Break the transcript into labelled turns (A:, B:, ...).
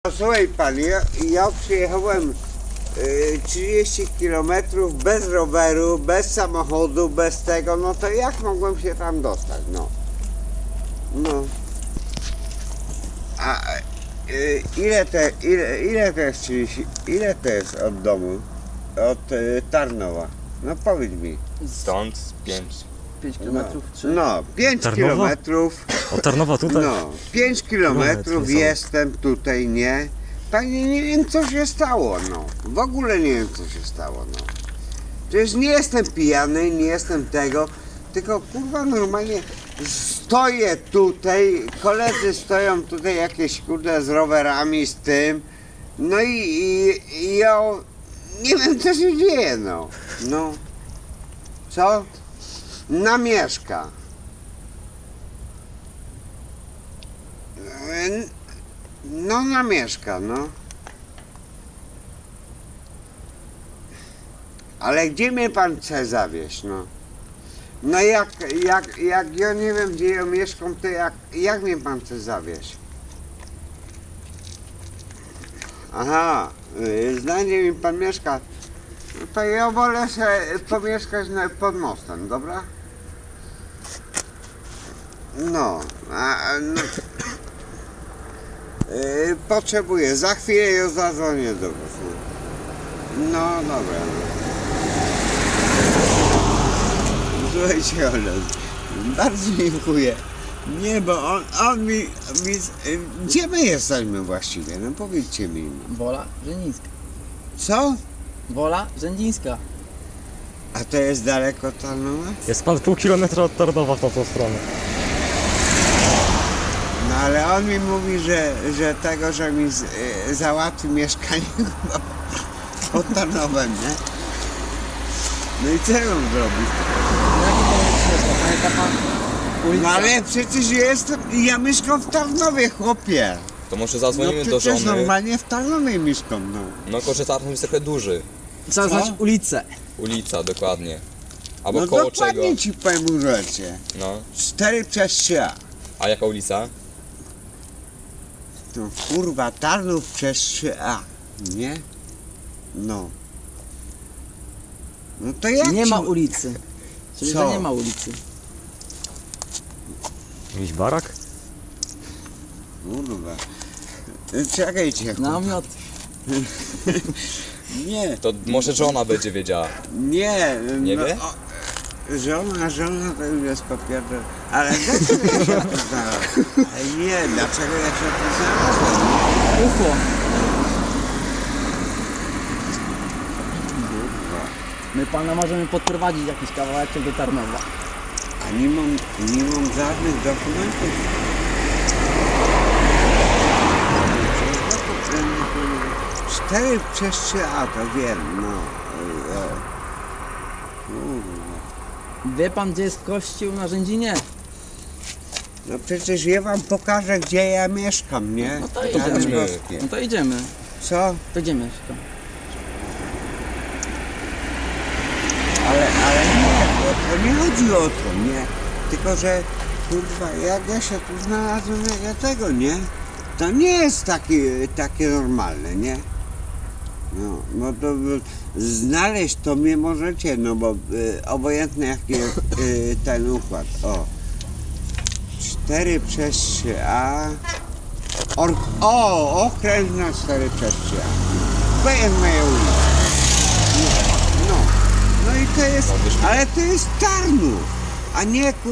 A: Słuchaj pan, ja przyjechałem 30 km bez roweru, bez samochodu, bez tego, no to jak mogłem się tam dostać, no. No. A ile to jest od domu? Od Tarnowa? No powiedz mi.
B: Stąd
C: 5 kilometrów?
A: No, 5
D: Tarnowa?
A: kilometrów.
D: Od Tarnowa tutaj?
A: No, 5 kilometrów
D: Kilometr,
A: jestem tutaj, nie? Panie, nie wiem co się stało, no. W ogóle nie wiem co się stało, no. Przecież nie jestem pijany, nie jestem tego, tylko kurwa normalnie stoję tutaj, koledzy stoją tutaj jakieś kurde z rowerami, z tym, no i ja nie wiem co się dzieje, no. No. Co? Namieszka. No namieszka, no. Ale gdzie mnie pan chce zawieźć, no? No jak ja nie wiem gdzie ja mieszkam, to jak mnie pan chce zawieźć? Aha, znajdzie mi pan mieszka. No to ja wolę sobie pomieszkać pod mostem, dobra? No, no. Potrzebuję, za chwilę ją zadzwonię do was. No dobra. Słuchajcie, ale bardzo dziękuję. Nie, bo on mi... Gdzie my jesteśmy właściwie? No powiedzcie mi.
C: Wola Rzędzińska.
A: Co?
C: Wola Rzędzińska.
A: A to jest daleko Tarnowa?
D: Jest pan pół kilometra od Tarnowa w tą stronę.
A: No ale on mi mówi, że mi załatwi mieszkanie pod Tarnowem, nie? No i co ja mam zrobić?
C: Jaki to jest mieszka? Pamięta pan? Ulica?
A: No ale przecież ja mieszkam w Tarnowie, chłopie.
B: To może
A: No
B: zadzwonimy do
A: przecież
B: żony.
A: normalnie w Tarnowie mieszkam, no.
B: No tylko, że Tarnów jest trochę duży.
C: Trzeba znać
A: Co?
C: ulicę.
B: Ulica, dokładnie. Albo
A: No
B: koło czego.
A: dokładnie ci powiem rzeczy.
B: No.
A: 4/3.
B: A jaka ulica?
A: To kurwa Tarnów przez 3A, nie? No. No to jak
C: Nie
A: ci...
C: ma ulicy. Czyli
A: Co?
C: że nie ma ulicy.
D: Jakiś barak?
A: Kurwa. Czekajcie.
C: Namiot.
A: Nie,
B: To może żona będzie wiedziała.
A: nie.
B: Nie
A: no,
B: wie?
A: Żona to już jest popierdol. Ale dlaczego ja się tu znalazłem? Nie, dlaczego ja się tu znalazłem?
C: UFO. My pana możemy podprowadzić jakiś kawałeczek do Tarnowa.
A: A nie mam żadnych dokumentów. 4/3A to wiem, no. Kurwa.
C: Wie pan gdzie jest kościół na Rzędzinie?
A: No przecież ja wam pokażę gdzie ja mieszkam, nie?
C: No to
A: Tam
C: idziemy.
A: boskie.
C: No to idziemy.
A: Co?
C: To gdzie mieszka?
A: Ale nie, to nie chodzi o to, nie? Tylko, że kurwa, jak ja się tu znalazłem, jak ja tego, nie? To nie jest takie normalne, nie? No, no to znaleźć to mnie możecie, no bo obojętnie jaki jest ten układ. O. 4/3A. Okręt na 4/3A. To jest moja ulica. No i to jest, ale to jest Tarnów, a nie